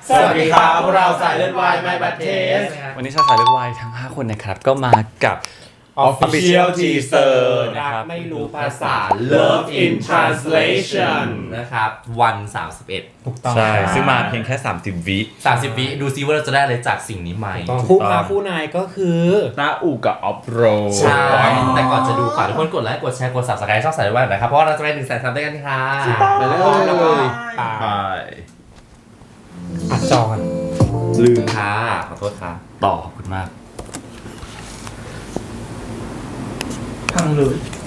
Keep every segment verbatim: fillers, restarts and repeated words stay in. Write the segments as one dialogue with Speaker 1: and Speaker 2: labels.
Speaker 1: สวัสดีครับพวกเราสายเลือดวาย My Bad Taste
Speaker 2: วันนี้ชาวสายเลือดวายทั้งห้าคนนะครับก็มากับ
Speaker 1: Official Teaser
Speaker 2: นะครับ
Speaker 3: ไม่รู้ภาษา
Speaker 1: Love in Translation
Speaker 3: นะครับวันสามสิบเอ็ด
Speaker 1: ถูกต้อง
Speaker 2: ใช่ซึ่งมาเพียงแค่สามสิบวิ
Speaker 3: สามสิบวิดูซิว่าเราจะได้อะไรจากสิ่งนี้ไหม
Speaker 1: คู่มาคู่นายก็คือตาอูกับออฟโร
Speaker 3: ใช่แต่ก่อนจะดูฝากทุกคนกดไลค์กดแชร์กด Subscribe ช่องสายเลือดวายนะครับเพราะว่าเราจะไปหนึ่งแสนซับด้วยกันค่ะ
Speaker 1: ไปเลย
Speaker 3: ไป
Speaker 1: ไปอัดจอกัน
Speaker 3: ลืมค่ะขอโทษค่ะ
Speaker 2: ต่อขอบคุณมาก
Speaker 1: พังเลย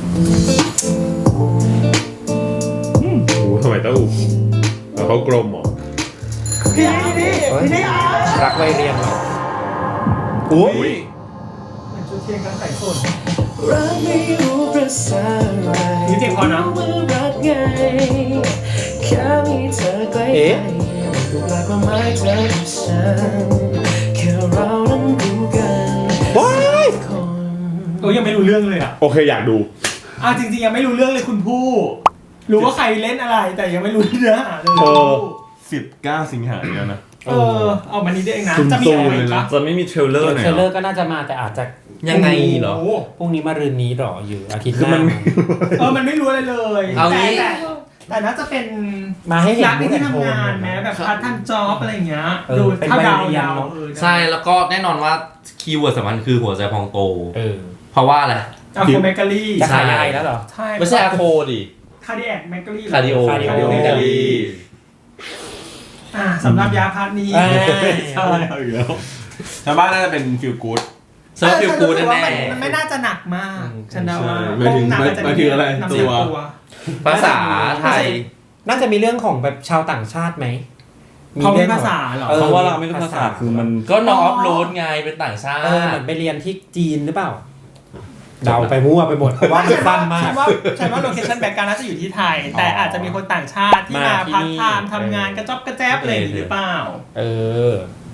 Speaker 4: โอ้โหทำไมต้องอูแล้วเขากลมเหรอ
Speaker 1: พี่นี่พี่นี่รักวัยเรียนเหรอ
Speaker 4: อุ้ย
Speaker 1: มันชุดเทียนกันใส่ส้น
Speaker 5: รักไม่รู้ภาษาอะไร
Speaker 1: นี่เพลงพอนะ
Speaker 5: ว่ารักไงแค่มีเธอใกล้ๆ
Speaker 1: เอ๊ะ
Speaker 5: ดูแปลกว่าไม่เธอกับฉันแค่เรานั้นรู้กัน
Speaker 4: ว้าย
Speaker 5: คน
Speaker 1: โอ้ยังไม่รู้เรื่องเลยอ่ะ
Speaker 4: โอเคอยากดู
Speaker 1: อ่ะจริงๆยังไม่รู้เรื่องเลยคุณผู้รู้ว่าใครเล่นอะไรแต่ยังไม่รู้เนื้อหาเลย
Speaker 4: เออ สิบเก้าสิงหาเนี่ยนะ
Speaker 1: เออเอามานี้ได้เองนะ
Speaker 4: ซุ่มๆ
Speaker 1: จะมีอะไร
Speaker 4: เลย
Speaker 1: ปะ
Speaker 4: นะ
Speaker 2: จะไม่มีเทรลเลอร์หน่อย
Speaker 6: เทรลเลอ
Speaker 2: เหรอ
Speaker 6: ร์ก็น่าจะมาแต่อาจจะ
Speaker 3: ยังไงเหรอ
Speaker 1: โโ
Speaker 6: พรุ่งนี้มารืนนี้หรออยู่อาทิตย์ห
Speaker 4: คือ
Speaker 6: น้า
Speaker 4: มันไม่
Speaker 1: เออมันไม่รู้อะไรเลย
Speaker 3: เอางี้
Speaker 1: แต่แต่แต่น่าจะเป็น
Speaker 6: มาให้เห็น
Speaker 1: รักในที่
Speaker 6: มูดแอนโทน
Speaker 1: ทำงานแม้แบบพาร์ทไทม์จ็อบอะไรอย่างเงี้ย
Speaker 6: เออ
Speaker 1: ดู
Speaker 6: เป็น
Speaker 1: ถ้า
Speaker 6: วัย
Speaker 1: ดาว
Speaker 6: เรียน
Speaker 1: ดาว
Speaker 6: เนอะ
Speaker 1: เออ
Speaker 3: ใช่แล้วก็แน่นอนว่าคีย์เวิร์ดสำคัญคือหัวใจพองโต
Speaker 6: เออ
Speaker 3: เพราะว่าอะไร
Speaker 1: อะโคเมกาลี
Speaker 6: จะขายอะไรแล้วเหรอ
Speaker 1: ใช่
Speaker 3: ไม่ใช่อะโคดิ
Speaker 1: คาร์ดิแอคเมกาลี
Speaker 3: คาร์ดิโอ
Speaker 6: คาร์ดิโอ
Speaker 1: เมกาลีอ่าสำหรับยาพาร์ทนี้
Speaker 6: อ่า
Speaker 4: ใช่เอาอีกแล้วชาวบ้านน่าจะเป็นฟิลกู๊ด
Speaker 3: เซิร์ฟฟิลกูด
Speaker 1: เออ
Speaker 3: แน่
Speaker 1: มันมันไม่น่าจะหนักมากฉันเดาว่า
Speaker 4: หมายถึง
Speaker 1: หนักอาจจะ
Speaker 4: หมายถึงอะไร
Speaker 1: นำ
Speaker 4: ตั
Speaker 1: เสียว ง
Speaker 3: ๆภาษาไทย
Speaker 6: น่าจะมีเรื่องของแบบชาวต่างชาติไหม
Speaker 1: เขามี
Speaker 6: รื่องของ
Speaker 1: ภาษาเหรอ
Speaker 6: ออ
Speaker 2: เพราะว่าเราไม่รู้ภาษาคือมัน
Speaker 3: ก็น้องออฟโรดไงเป็นต่างชาติ
Speaker 6: เออเหมือนไปเรียนที่จีนหรือเปล่าเดาไปมั่วไปหมดเพราะว่ามันสั้นมาก
Speaker 1: ฉันว่าฉันว่าโลเคชั่นแบ็กกราวด์น่าจะอยู่ที่ไทย แต่อาจจะมีคนต่างชาติที่มา
Speaker 6: มาที่
Speaker 1: พัก
Speaker 6: นี่
Speaker 1: ไทม์ทำงานกระจอบกระแจ๊บอะไรอย่างนี้หรือเปล่า
Speaker 6: เออ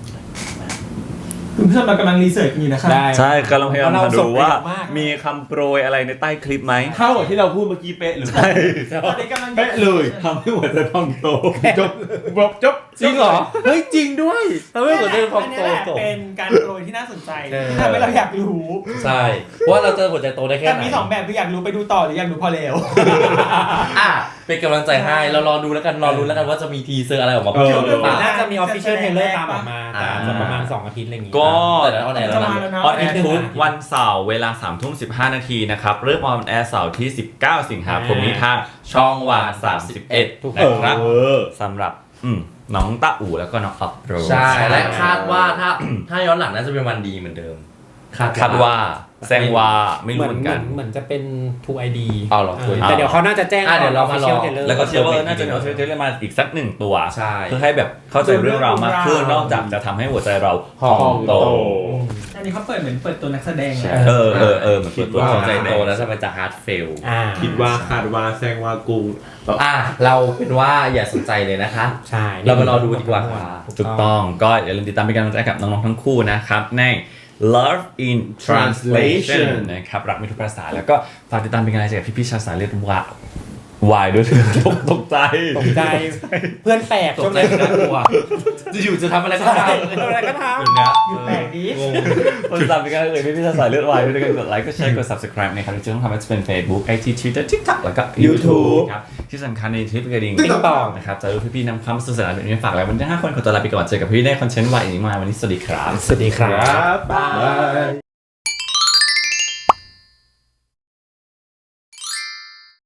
Speaker 1: คุณผู้ชมเรากำลังรีเสิร์ชอยู่นะครับ
Speaker 6: ได้
Speaker 2: ใช่กำลังพยายาม
Speaker 6: เรา
Speaker 2: มา
Speaker 6: ส่
Speaker 2: ดู
Speaker 6: ง
Speaker 2: ว่า
Speaker 6: เร็วมาก
Speaker 2: มีคำโปรยอะไรในใต้คลิปไหม
Speaker 4: เท่ากับที่เราพูดเมื่อกี้เป๊ะหรือ
Speaker 2: ใช่
Speaker 1: ตอนนี้กำลัง
Speaker 4: เป๊ะเลยทำให้หัวใจพองโตจบจบจบ
Speaker 2: จริงเหรอเฮ้ยจริงด้วยทำให้หัวใจพอง
Speaker 1: อัน
Speaker 2: โต
Speaker 1: นี้แหละ
Speaker 2: จบ
Speaker 1: เป็นการโปรยที่น่าสนใจ
Speaker 6: เออ
Speaker 1: ที่ทำให้เราอยากรู้
Speaker 3: ใช่เพราะว่าเราเจอหัวใจโตได้แค่
Speaker 1: แต่
Speaker 3: ไหน
Speaker 1: มีสองแบบคืออยากรู้ไปดูต่อหรืออยากรู้พอแล้ว
Speaker 3: อ่ะเป็นกำลังใจให้เรารอดูแล้วกันรอรู้แล้วกันว่าจะมีทีเซอร์อะไรออกมา
Speaker 4: เออ
Speaker 3: เพิ่มหรือเปล่า
Speaker 6: น่าจะมีออฟฟิเชียลเทรลเลอร์ตามออกมา
Speaker 3: อ่า
Speaker 6: แต่อาจจะประมาณสองอาทิตย์อะไรอย่างงี้
Speaker 2: ก็
Speaker 3: แต่แล้วเอาไหนแล้ว
Speaker 1: จะ
Speaker 3: นะ
Speaker 1: มาแล้วนะ
Speaker 2: ออนแอร์ทุกวันเสาร์เวลาสามทุ่มสิบห้านาทีนะครับเริ่มออนแอร์เสาร์ที่สิบเก้าสิงหาคมนี้ทางช่องวันสามสิบเอ็ดนะครับ
Speaker 4: เออ
Speaker 2: สำหรับอืมน้องตาอู่แล้วก็น้องอัพโร
Speaker 3: ใช่ และคาดว่าถ้าถ้าย้อนหลังน่าจะเป็นวันดีเหมือนเดิม
Speaker 2: คาดว่าแซงว่าไม่
Speaker 6: เห
Speaker 2: รู้
Speaker 6: มือน
Speaker 2: เหมือน
Speaker 6: เหมื
Speaker 2: กั
Speaker 6: อน นเหมือนจะเป็น ทู ไอ ดี
Speaker 3: เอาเหรอ
Speaker 6: เออแต่เดี๋ยวเขาน่าจะแจ้ง
Speaker 3: อ่ะเดี๋ยวเรามารอ
Speaker 6: Official Trailer
Speaker 2: แล้วก็เชื่อว่าน่าจะมีออฟฟิเชียลมาอีกสักหนึ่งตัว
Speaker 3: ใช่
Speaker 2: เพื่อให้แบบเข้าใจเรื่องราวมากขึ้นนอกจากจะทำให้หัวใจเราพองโต
Speaker 1: อันนี้เขาเปิดเหมือนเปิดตัวนักแสดงเลย
Speaker 2: เออเออเออเหมือนเปิดตัว
Speaker 3: ว่า
Speaker 2: หั
Speaker 3: หั
Speaker 2: ว
Speaker 3: ว
Speaker 2: ใจ
Speaker 3: ใจ
Speaker 2: แด
Speaker 3: โต
Speaker 2: ง
Speaker 3: แล้วจะมันจะฮาร์ดเฟล
Speaker 6: อ่า
Speaker 4: คิดว่าคาดว่าแซงว่ากุ้ง
Speaker 3: อ่ะเราเป็นว่าอย่าสนใจเลยนะคะ
Speaker 6: ใช่
Speaker 3: เรามารอดูดีกว่าค่ะ
Speaker 2: ถูกต้องก็อย่าลืมติดตามเป็นกำลังใจกับน้องๆทั้งคู่นะครับใน Love in Translation นะครับรักไม่ทุกภาษาแล้วก็ฝากติดตามเป็นกำลังใจกับพี่ๆชาวสายเลือดวะวายด้วยตกตกใจ
Speaker 6: ตกใจเพื่อนแปลก
Speaker 3: ต
Speaker 6: ช่
Speaker 3: ก
Speaker 6: วง
Speaker 3: ใจ
Speaker 6: นี้
Speaker 3: น่ากลัวจะอยู่จะทำอะไรก็ได้
Speaker 6: อะไรก็ทำ
Speaker 3: อย่างเงี้ย
Speaker 1: อยู่แปลกดี
Speaker 2: คนติดตามเป็นกำลังใจพี่ๆชาวสายเลือดวายด้วยกันกดไลค์กดแชร์กด subscribe นะครับที่ต้องทำให้จะเป็น Facebook ไอ จี Twitter TikTok แล้วก็ YouTube ครับที่สำคัญในทริปกระดิ่ง
Speaker 6: ติ๊งตอง
Speaker 2: นะครับจะรู้พี่ๆนำความสนุกสนานแบบนี้มาฝากแล้ววันที่ห้าคนขอตัวลาไปก่อนเจอกับพี่ได้คอนเทนต์วายอีกมากวันนี้สวัสดีครับ
Speaker 6: สวัสดีครับ
Speaker 4: บาย